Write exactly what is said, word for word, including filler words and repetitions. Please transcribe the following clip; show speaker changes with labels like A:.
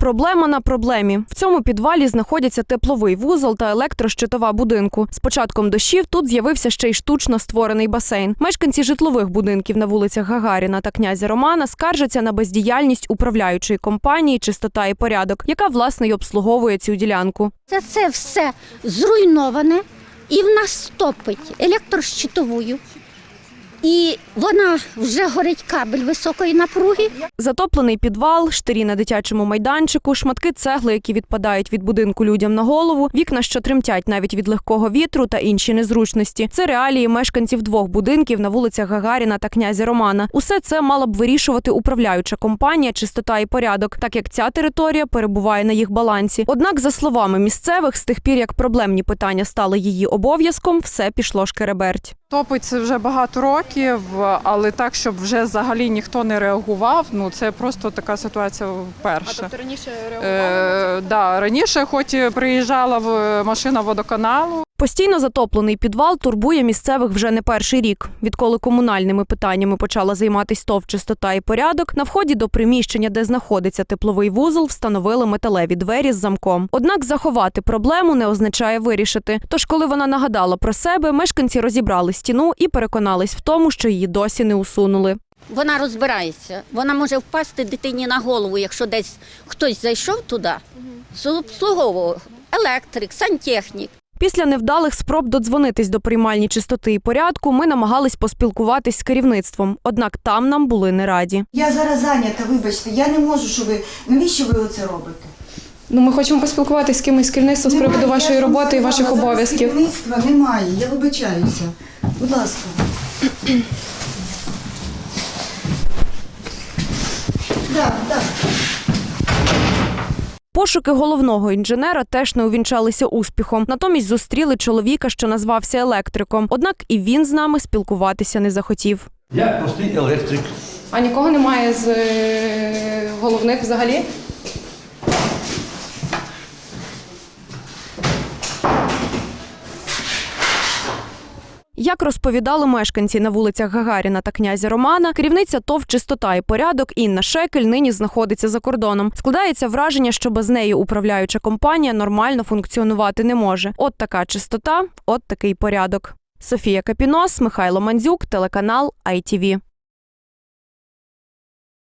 A: Проблема на проблемі. В цьому підвалі знаходяться тепловий вузол та електрощитова будинку. З початком дощів тут з'явився ще й штучно створений басейн. Мешканці житлових будинків на вулицях Гагаріна та князя Романа скаржаться на бездіяльність управляючої компанії «Чистота і порядок», яка, власне, й обслуговує цю ділянку.
B: Це, це все зруйноване і в нас топить електрощитовою. І вона вже горить кабель високої напруги.
A: Затоплений підвал, штирі на дитячому майданчику, шматки цегли, які відпадають від будинку людям на голову, вікна, що тремтять навіть від легкого вітру та інші незручності. Це реалії мешканців двох будинків на вулицях Гагаріна та князя Романа. Усе це мала б вирішувати управляюча компанія «Чистота і порядок», так як ця територія перебуває на їх балансі. Однак, за словами місцевих, з тих пір, як проблемні питання стали її обов'язком, все пішло шкереберть.
C: Топить це вже багато років, але так, щоб вже взагалі ніхто не реагував, ну це просто така ситуація вперше.
A: А тобто раніше реагували?
C: Е, да, раніше хоч і приїжджала в машина водоканалу.
A: Постійно затоплений підвал турбує місцевих вже не перший рік. Відколи комунальними питаннями почала займатися ТОВ «Чистота і порядок», на вході до приміщення, де знаходиться тепловий вузол, встановили металеві двері з замком. Однак заховати проблему не означає вирішити. Тож, коли вона нагадала про себе, мешканці розібрали стіну і переконались в тому, що її досі не усунули.
B: Вона розбирається. Вона може впасти дитині на голову, якщо десь хтось зайшов туди, обслуговував електрик, сантехнік.
A: Після невдалих спроб додзвонитись до приймальні «Чистоти і порядку» ми намагались поспілкуватись з керівництвом. Однак там нам були не раді.
D: Я зараз зайнята, вибачте, я не можу, що ви... Навіщо ви оце робите?
E: Ну, ми хочемо поспілкуватися з кимось з керівництва з приводу вашої роботи і ваших обов'язків.
D: Керівництва немає, я вибачаюся. Будь ласка. Так, так.
A: Пошуки головного інженера теж не увінчалися успіхом. Натомість зустріли чоловіка, що назвався електриком. Однак і він з нами спілкуватися не захотів.
F: Я простий електрик.
E: А нікого немає з е, головних взагалі?
A: Як розповідали мешканці на вулицях Гагаріна та князя Романа, керівниця ТОВ «Чистота і порядок» Інна Шекель нині знаходиться за кордоном. Складається враження, що без неї управляюча компанія нормально функціонувати не може. От така чистота, от такий порядок. Софія Капінос, Михайло Мандзюк, телеканал ай ті ві.